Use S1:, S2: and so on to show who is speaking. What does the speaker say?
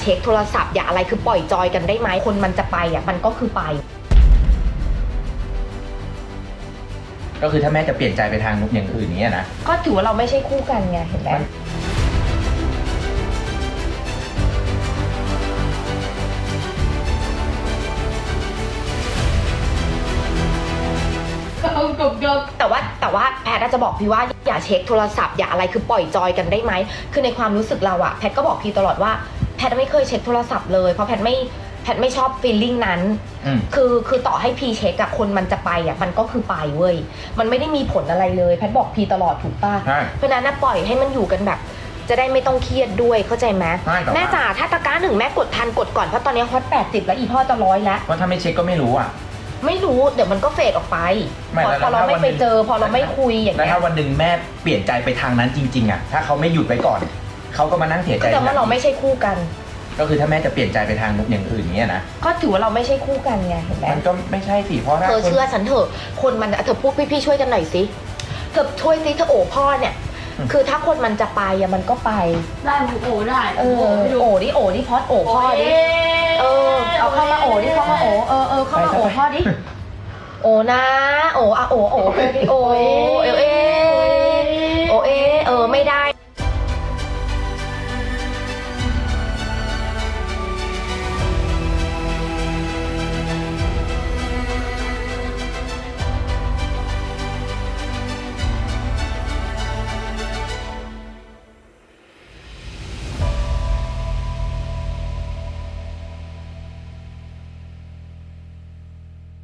S1: เช็คโทรศัพท์อย่าอะไรคือปล่อยจอยกันได้ไหมคนมันจะไปอ่ะมันก็คือไป
S2: ก็คือถ้าแม่จะเปลี่ยนใจไปทางอย่างอื่นนี้นะ
S1: ก็ถือว่าเราไม่ใช่คู่กันไงเห็นไหมแต่ว่าแพทย์จะบอกพี่ว่าอย่าเช็คโทรศัพท์อย่าอะไรคือปล่อยจอยกันได้ไหมคือในความรู้สึกเราอะแพทย์ก็บอกพี่ตลอดว่าแพทย์ไม่เคยเช็คโทรศัพท์เลยเพราะแพทย์ไม่ชอบฟีลลิ่งนั้นคือต่อให้พีเช็คกับคนมันจะไปอะมันก็คือไปเว้ยมันไม่ได้มีผลอะไรเลยแพทย์บอกพีตลอดถูกป่ะเพราะนั้นปล่อยให้มันอยู่กันแบบจะได้ไม่ต้องเครียดด้วยเข้าใจไหมแม่จ๋าถ้าตะกร้า1แม่กดทันกดก่อนเพราะตอนนี้ฮอต80แล้วอีพ่อจะ100แล้ว
S2: ว่าถ้าไม่เช็คก็ไม่รู้อ่ะ
S1: ไม่รู้เดี๋ยวมันก็เฟดออกไปพอเราไม่ไปเจอพอเราไม่คุยอย่างเงี้ย
S2: แล้วถ้าวันหนึ่งแม่เปลี่ยนใจไปทางนั้นจริงๆอ่ะถ้าเขาไม่หยุดไปก่อนเขาก็มานั่งเสียใจ
S1: แต่ว่าเราไม่ใช่คู่กัน
S2: ก็คือถ้าแม่จะเปลี่ยนใจไปทางอย่างอื่นนี้นะ
S1: ก็ถือว่าเราไม่ใช่คู่กันไงเห็นไหม
S2: มันก็ไม่ใช่สิเพราะ
S1: เธอเชื่อฉันเถอะคนมันเธอพูดพี่ช่วยกันหน่อยสิเธอช่วยสิเธอโอ้พ่อเนี่ยคือถ้าคนมันจะไปอะมันก็ไป
S3: ได้หนูโอ้ได้
S1: โอ้ดิพอดโอ้พ่อดิเอาเข้ามาโอ้ดิเข้ามาโอ้เข้ามาโอ้พ่อดิโอ้นะโอ้อะโอ้ดิโอ้เอ